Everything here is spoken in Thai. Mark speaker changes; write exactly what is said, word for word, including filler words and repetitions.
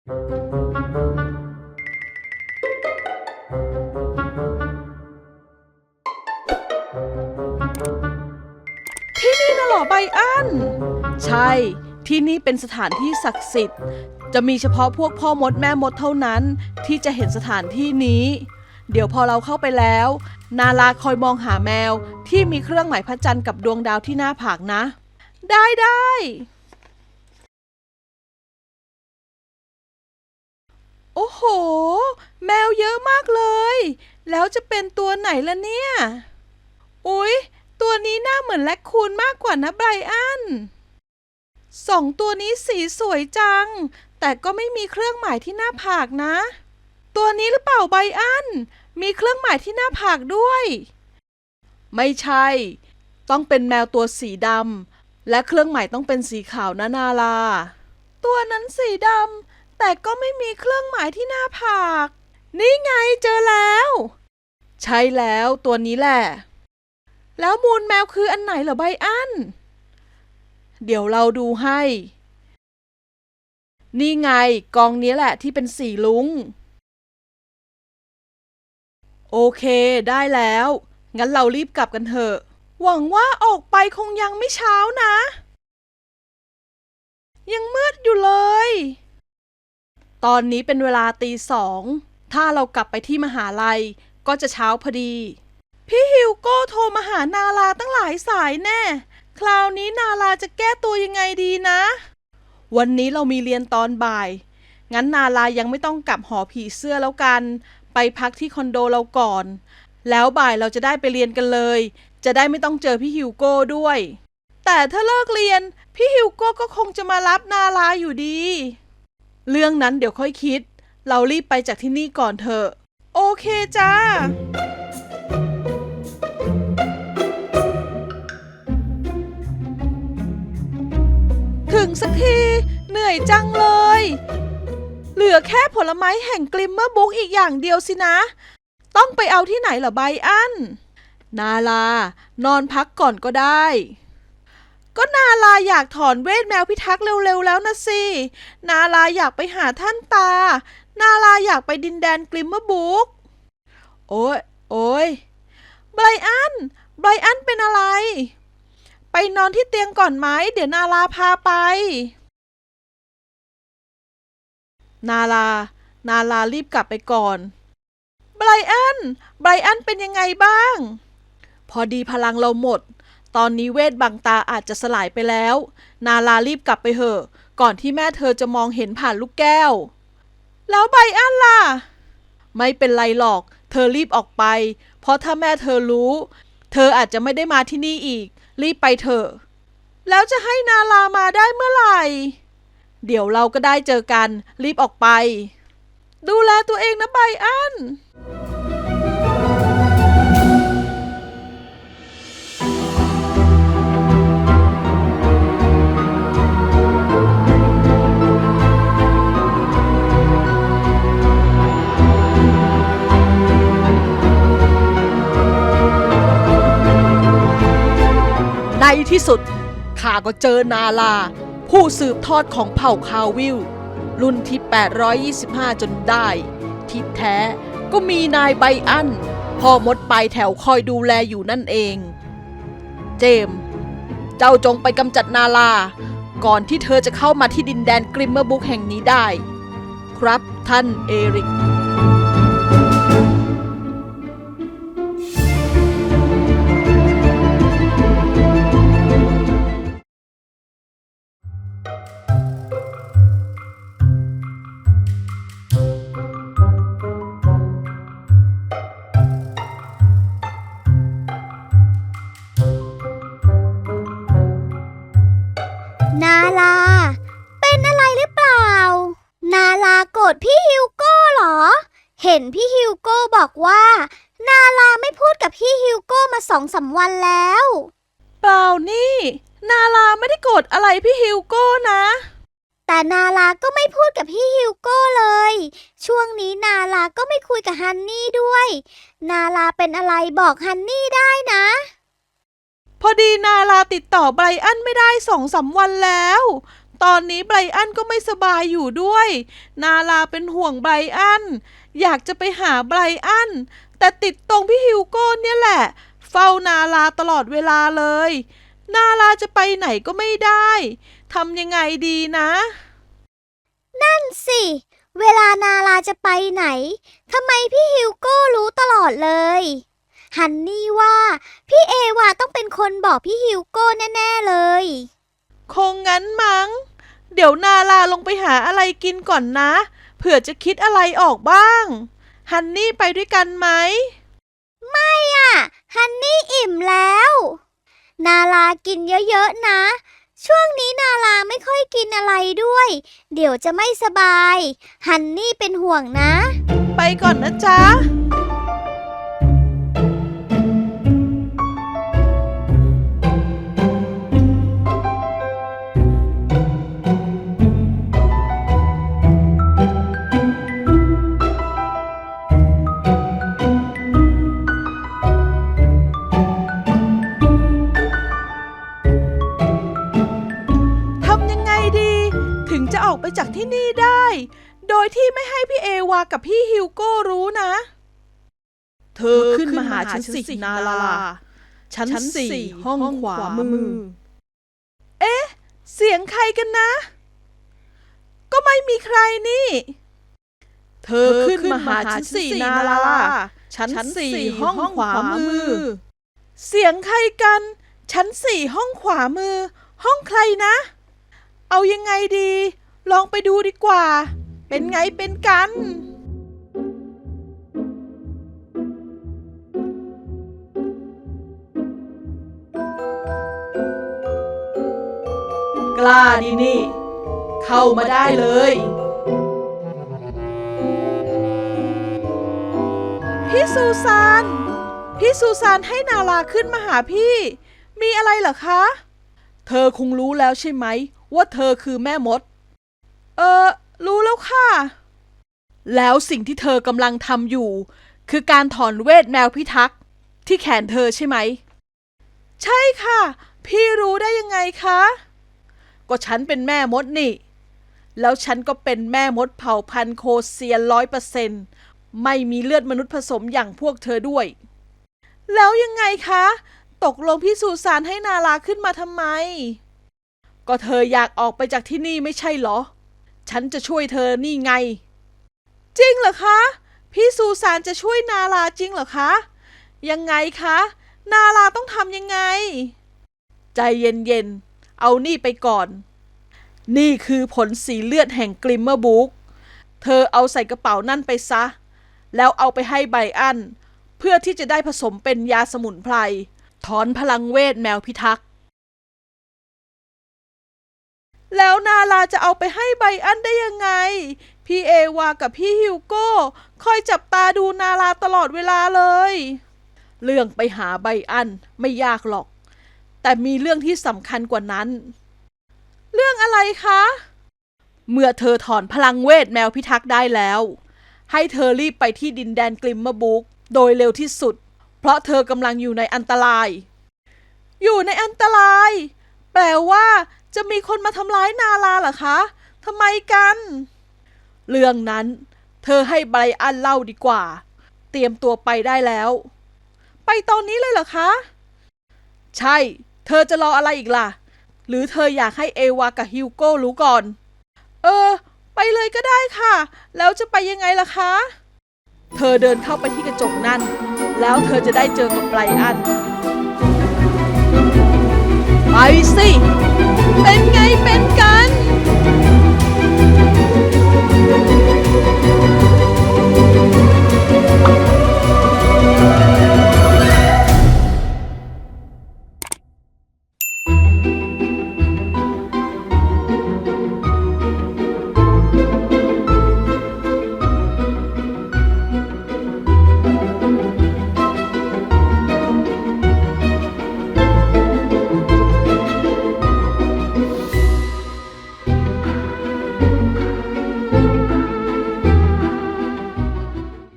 Speaker 1: ที่นี่น่ะเหรอไบอันใช่ที่นี่เป็นสถานที่ศักดิ์สิทธิ์จะมีเฉพาะพวกพ่อมดแม่มดเท่านั้นที่จะเห็นสถานที่นี้เดี๋ยวพอเราเข้าไปแล้วนาลาคอยมองหาแมวที่มีเครื่องหมายพระจันทร์กับดวงดาวที่หน้าผากนะได้ได้โอ้โหแมวเยอะมากเลยแล้วจะเป็นตัวไหนล่ะเนี่ยอุ๊ยตัวนี้หน้าเหมือนแรคคูนมากกว่านะไบรอันสองตัวนี้สีสวยจังแต่ก็ไม่มีเครื่องหมายที่หน้าผากนะตัวนี้หรือเปล่าไบรอันมีเครื่องหมายที่หน้าผากด้วยไม่ใช่ต้องเป็นแมวตัวสีดำและเครื่องหมายต้องเป็นสีขาวนะนาลาตัวนั้นสีดำแต่ก็ไม่มีเครื่องหมายที่หน้าผากนี่ไงเจอแล้วใช่แล้วตัวนี้แหละแล้วมูลแมวคืออันไหนเหรอไบอันเดี๋ยวเราดูให้นี่ไงกองนี้แหละที่เป็นสีลุ้งโอเคได้แล้วงั้นเรารีบกลับกันเถอะหวังว่าออกไปคงยังไม่เช้านะยังมืดอยู่เลยตอนนี้เป็นเวลาตีสองถ้าเรากลับไปที่มหาลัยก็จะเช้าพอดีพี่ฮิวโก้โทรมาหานาลาตั้งหลายสายแน่คราวนี้นาลาจะแก้ตัวยังไงดีนะวันนี้เรามีเรียนตอนบ่ายงั้นนาลายังไม่ต้องกลับหอผีเสื้อแล้วกันไปพักที่คอนโดเราก่อนแล้วบ่ายเราจะได้ไปเรียนกันเลยจะได้ไม่ต้องเจอพี่ฮิวโก้ด้วยแต่ถ้าเลิกเรียนพี่ฮิวโก้ก็คงจะมารับนาลาอยู่ดีเรื่องนั้นเดี๋ยวค่อยคิดเรารีบไปจากที่นี่ก่อนเถอะโอเคจ้าถึงสักทีเหนื่อยจังเลยเหลือแค่ผลไม้แห่งกลิมเมอร์บุ๊กอีกอย่างเดียวสินะต้องไปเอาที่ไหนเหรอไบอันนาลานอนพักก่อนก็ได้ก็นาลาอยากถอนเวทแมวพิทักษ์เร็วๆแล้วนะสินาลาอยากไปหาท่านตานาลาอยากไปดินแดนกลิมเมอร์บุ๊กโอ้ยโอ้ยไบอันไบอันเป็นอะไรไปนอนที่เตียงก่อนไหมเดี๋ยวนาลาพาไปนาลานาลารีบกลับไปก่อนไบรอันไบรอันเป็นยังไงบ้างพอดีพลังเราหมดตอนนี้เวทบังตาอาจจะสลายไปแล้วนาลารีบกลับไปเถอะก่อนที่แม่เธอจะมองเห็นผ่านลูกแก้วแล้วไบรอันล่ะไม่เป็นไรหรอกเธอรีบออกไปเพราะถ้าแม่เธอรู้เธออาจจะไม่ได้มาที่นี่อีกรีบไปเถอะแล้วจะให้นาลามาได้เมื่อไหร่เดี๋ยวเราก็ได้เจอกันรีบออกไปดูแลตัวเองนะไบอันในที่สุดข้าก็เจอนาลาผู้สืบทอดของเผ่าคาวิลรุ่นที่แปดร้อยยี่สิบห้าจนได้ที่แท้ก็มีนายไบอันพ่อมดปลายแถวคอยดูแลอยู่นั่นเองเจมส์เจ้าจงไปกำจัดนาลาก่อนที่เธอจะเข้ามาที่ดินแดนกริมเมอร์บุ๊กแห่งนี้ได้ครับท่านเอริก
Speaker 2: นาลาเป็นอะไรหรือเปล่านาลาโกรธพี่ฮิวโก้เหรอเห็นพี่ฮิวโก้บอกว่านาลาไม่พูดกับพี่ฮิวโก้มาสองสามวันแล้ว
Speaker 1: เปล่านี่นาลาไม่ได้โกรธอะไรพี่ฮิวโก้นะ
Speaker 2: แต่นาลาก็ไม่พูดกับพี่ฮิวโก้เลยช่วงนี้นาลาก็ไม่คุยกับฮันนี่ด้วยนาลาเป็นอะไรบอกฮันนี่ได้นะ
Speaker 1: พอดีนาลาติดต่อไบรอันไม่ได้สองสามวันแล้วตอนนี้ไบรอันก็ไม่สบายอยู่ด้วย นาลาเป็นห่วงไบรอัน อยากจะไปหาไบรอัน แต่ติดตรงพี่ฮิวโก้เนี่ยแหละ เฝ้านาลาตลอดเวลาเลย นาลาจะไปไหนก็ไม่ได้ทำยังไงดีนะ
Speaker 2: นั่นสิ เวลานาลาจะไปไหน ทำไมพี่ฮิวโก้รู้ตลอดเลย ฮันนี่ว่าพี่เอวาต้องเป็นคนบอกพี่ฮิวโก้แน่ๆเลย
Speaker 1: คงงั้นมั้ง เดี๋ยวนาลาลงไปหาอะไรกินก่อนนะ เผื่อจะคิดอะไรออกบ้าง ฮันนี่ไปด้วยกันไหม
Speaker 2: ไม่อ่ะ ฮันนี่อิ่มแล้ว นาลากินเยอะๆนะ ช่วงนี้นาลาไม่ค่อยกินอะไรด้วย เดี๋ยวจะไม่สบาย ฮันนี่เป็นห่วงนะ
Speaker 1: ไปก่อนนะจ๊ะ ทำยังไงดี ถึงจะออกไปจากที่นี่ได้ โดยที่ไม่ให้พี่เอวากับพี่ฮิวโก้รู้นะ เธอขึ้นมาหาฉันสินาลา ชั้นสี่ห้องขวามือ เอ๊ะ เสียงใครกันนะ ก็ไม่มีใครนี่ เธอขึ้นมาหาฉันสี่นาลา ชั้นสี่ห้องขวามือ เสียงใครกัน ชั้นสี่ห้องขวามือ ห้องใครนะ เอายังไงดี ลองไปดูดีกว่า เป็นไงเป็นกัน กล้าดีนี่ เข้ามาได้เลย พี่ซูซาน พี่ซูซานให้นาลาขึ้นมาหาพี่ มีอะไรเหรอคะ เธอคงรู้แล้วใช่ไหมว่าเธอคือแม่มด เออ รู้แล้วค่ะ แล้วสิ่งที่เธอกำลังทำอยู่ คือการถอนเวทแมวพิทักษ์ที่แขนเธอใช่ไหม ใช่ค่ะ พี่รู้ได้ยังไงคะ ก็ฉันเป็นแม่มดนี่ แล้วฉันก็เป็นแม่มดเผ่าพันธุ์โคเซียนร้อยเปอร์เซ็นต์ไม่มีเลือดมนุษย์ผสมอย่างพวกเธอด้วย แล้วยังไงคะ ตกลงพี่ซูซานให้นาลาขึ้นมาทำไม ก็เธออยากออกไปจากที่นี่ไม่ใช่เหรอ ฉันจะช่วยเธอนี่ไง จริงเหรอคะ พี่ซูซานจะช่วยนาลาจริงเหรอคะ ยังไงคะ นาลาต้องทำยังไง ใจเย็นๆ เอานี่ไปก่อน นี่คือผลสีเลือดแห่งกลิมเมอร์บุ๊ก เธอเอาใส่กระเป๋านั่นไปซะ แล้วเอาไปให้ไบรอัน เพื่อที่จะได้ผสมเป็นยาสมุนไพร ถอนพลังเวทแมวพิทักษ์ แล้วนาลาจะเอาไปให้ไบรอันได้ยังไง พี่เอวากับพี่ฮิวโก้คอยจับตาดูนาลาตลอดเวลาเลย เรื่องไปหาไบรอันไม่ยากหรอก แต่มีเรื่องที่สำคัญกว่านั้น เรื่องอะไรคะ เมื่อเธอถอนพลังเวทแมวพิทักษ์ได้แล้ว ให้เธอรีบไปที่ดินแดนกลิมเมอร์บุ๊กโดยเร็วที่สุด เพราะเธอกำลังอยู่ในอันตราย อยู่ในอันตราย แปลว่าจะมีคนมาทำร้ายนาลาเหรอคะทำไมกัน เรื่องนั้นเธอให้ไบรอันเล่าดีกว่า เตรียมตัวไปได้แล้ว ไปตอนนี้เลยเหรอคะ ใช่ เธอจะรออะไรอีกล่ะ หรือเธออยากให้เอวากับฮิวโก้รู้ก่อน เออ ไปเลยก็ได้ค่ะ แล้วจะไปยังไงล่ะคะ เธอเดินเข้าไปที่กระจกนั่น แล้วเธอจะได้เจอกับไบรอัน ไปสิ เป็นไงเป็น